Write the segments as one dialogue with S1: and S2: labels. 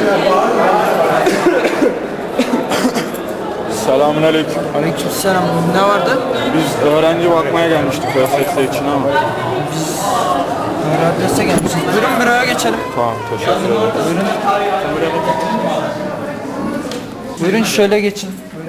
S1: Selamünaleyküm.
S2: Aleykümselam. Ne vardı?
S1: Biz öğrenci bakmaya gelmiştik ÖSS için ama.
S2: Adrese gelmişiz. Buyurun büroya geçelim.
S1: Tamam, teşekkür ederim.
S2: Buyurun. Buyurun şöyle geçin.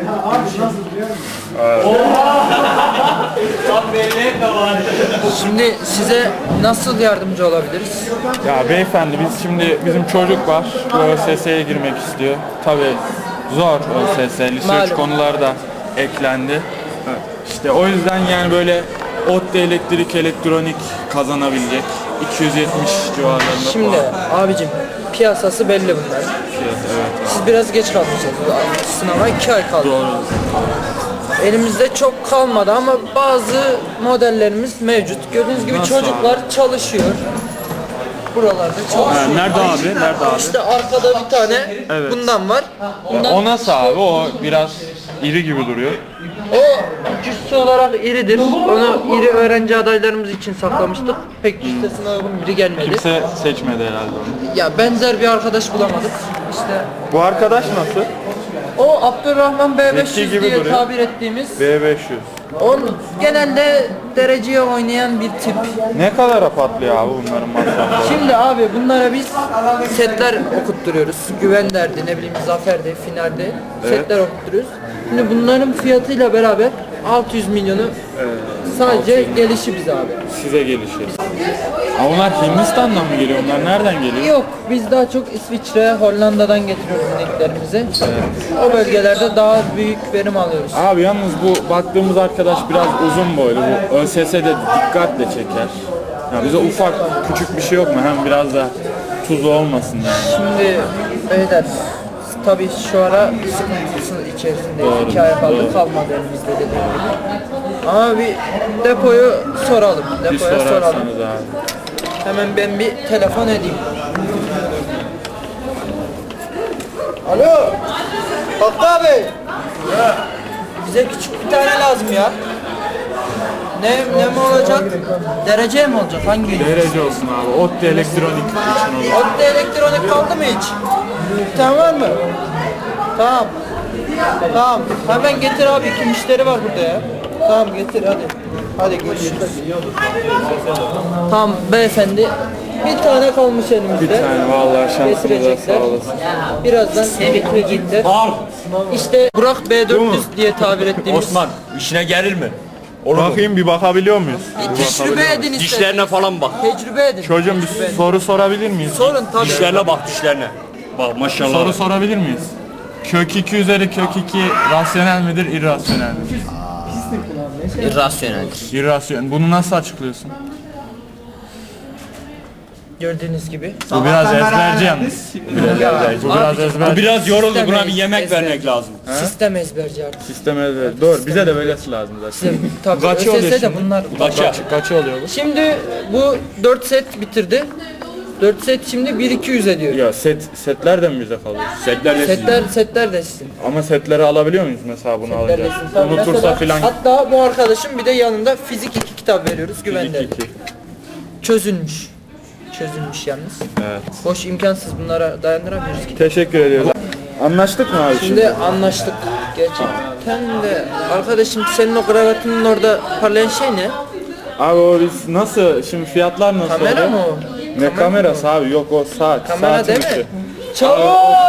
S2: Şimdi size nasıl yardımcı olabiliriz?
S1: Ya beyefendi, bizim çocuk var. Bu ÖSS'ye girmek istiyor. Tabii zor ÖSS. Lise 3
S2: Malum.
S1: konular da eklendi. İşte o yüzden yani böyle ODTÜ elektrik elektronik kazanabilecek 270 civarlarında
S2: Şimdi
S1: puan.
S2: abicim piyasası belli bunların.
S1: Evet.
S2: Siz biraz geç kalmışsınız. Sınava 2 ay kaldı.
S1: Doğru.
S2: Elimizde çok kalmadı ama bazı modellerimiz mevcut. Gördüğünüz gibi
S1: Nasıl
S2: çocuklar çalışıyor. Buralarda çalışıyor.
S1: Nerede abi? Nerede abi?
S2: İşte arkada bir tane
S1: Evet.
S2: bundan var. Bundan,
S1: O nasıl abi? O biraz iri gibi duruyor.
S2: o cüssü olarak iridir. Onu iri öğrenci adaylarımız için saklamıştık. Pek cüssesine uygun biri gelmedi.
S1: Kimse seçmedi herhalde onu.
S2: Ya benzer bir arkadaş bulamadık. İşte
S1: Bu arkadaş nasıl?
S2: o Abdurrahman B500
S1: Zeki gibi
S2: diye
S1: duruyor.
S2: tabir ettiğimiz.
S1: B500.
S2: On genelde dereceye oynayan bir tip.
S1: Ne kadara patlıyor abi bunların masrafları?
S2: Şimdi abi bunlara biz setler okutturuyoruz. Güven derdi, ne bileyim zaferdi, finalde setler okutturuyoruz. Şimdi bunların fiyatıyla beraber 600 milyonu sadece gelişi biz abi.
S1: Size gelişir. Ama onlar Hindistan'dan mı geliyor? Onlar nereden geliyor?
S2: Yok, biz daha çok İsviçre, Hollanda'dan getiriyoruz ineklerimizi. O bölgelerde daha büyük verim alıyoruz.
S1: Abi yalnız bu baktığımız arkadaş biraz uzun boylu. Bu ÖSS'de dikkatle çeker. Ya bize ufak küçük bir şey yok mu? Hem biraz da tuzlu olmasın yani.
S2: Şimdi beyler tabii şu ara sıkıntısının içerisindeyiz.
S1: Doğru,
S2: 2 ay kaldı
S1: doğru.
S2: kalmadı elimizde dediğim gibi. Ama bir depoyu soralım.
S1: Bir
S2: Depoya soralım.
S1: sorarsanız abi.
S2: Hemen ben bir telefon edeyim. Alo. Hakkı abi. Bize küçük bir tane lazım ya. Ne mi olacak? Derece mi olacak? Hangi?
S1: Derece olsun abi. ODTÜ elektronik için olur.
S2: Otte elektronik kaldı mı hiç? Tamam mı? Tamam. Tamam. Hemen getir abi. İki müşteri var burada ya. Tamam getir hadi. Hadi görüşürüz. Tamam beyefendi. Bir tane kalmış elimizde.
S1: Bir tane vallahi şansınıza
S2: Getirecekler.
S1: sağ olasın.
S2: Birazdan getirecekler. İşte Burak B400 diye tabir ettiğimiz.
S3: Osman işine gelir mi? Olur mu?
S1: Bakayım bir bakabiliyor muyuz?
S2: Tecrübe edin istedim.
S3: Dişlerine falan bak.
S2: Tecrübe edin.
S1: Çocuğum bir soru sorabilir miyiz?
S2: Sorun tabii.
S3: Dişlerine bak dişlerine. Bak maşallah.
S1: Soru sorabilir miyiz? Kök 2 üzeri kök 2 rasyonel midir, irrasyonel midir?
S3: İrrasyoneldir.
S1: İrrasyonel. Bunu nasıl açıklıyorsun?
S2: Gördüğünüz gibi.
S1: Bu biraz ezberci yalnız. Bu biraz
S3: Bu
S1: ezberci.
S3: biraz yoruldu, buna bir yemek
S2: Sistem-
S3: vermek lazım.
S2: Sistem ezberci artık.
S1: Sistem ezberci. Doğru. Bize de böylesi lazım zaten.
S2: Tabii
S1: Kaçı oluyor
S2: ÖSS de
S1: şimdi?
S2: bunlar.
S1: Kaçı oluyor bu?
S2: Şimdi bu 4 set bitirdi. 4 set şimdi 1200 ediyor.
S1: Ya setler de mi bize kalıyor?
S3: Setler de sizin.
S2: Setler de sizin.
S1: Ama setleri alabiliyor muyuz mesela bunu
S2: Setler de
S1: alınca?
S2: sizin. Tabii
S1: Unutursa
S2: mesela-
S1: filan.
S2: Hatta bu arkadaşın bir de yanında fizik 2 kitap veriyoruz güvende. Çözülmüş. Çözülmüş yalnız.
S1: Evet.
S2: Boş imkansız bunlara dayandıramıyoruz ki.
S1: Teşekkür ediyoruz. Anlaştık mı abi şimdi?
S2: Şimdi anlaştık. Gerçekten de arkadaşım senin o kravatının orada parlayan şey ne?
S1: Abi o biz nasıl, şimdi fiyatlar nasıl
S2: Kamera
S1: oluyor?
S2: mı o?
S1: Ne kamerası abi? Yok o saat.
S2: Kamera
S1: Saatin
S2: değil
S1: ışığı.
S2: mi? Çabuk!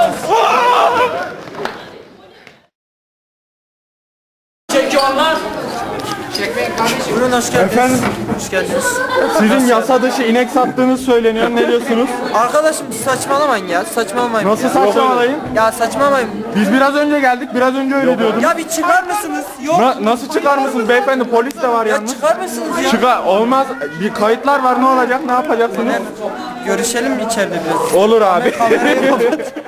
S2: Çekiyorlar. Buyurun hoş geldiniz.
S1: Efendim?
S2: Hoş geldiniz.
S1: Sizin yasa dışı inek sattığınız söyleniyor. Ne diyorsunuz?
S2: Arkadaşım saçmalamayın ya. Saçmalamayın.
S1: Nasıl
S2: ya.
S1: saçmalamayın?
S2: Ya saçmalamayın.
S1: Biz biraz önce geldik. Biraz önce öyle diyordunuz.
S2: Ya bir çıkar mısınız? Yok.
S1: Nasıl çıkar mısınız beyefendi? Polis de var
S2: Ya
S1: yalnız.
S2: çıkar mısınız ya?
S1: Çıkar. Olmaz. Bir kayıtlar var. Ne olacak? Ne yapacaksınız?
S2: Görüşelim içeride biraz.
S1: Olur abi.
S2: Kamerayı kapat.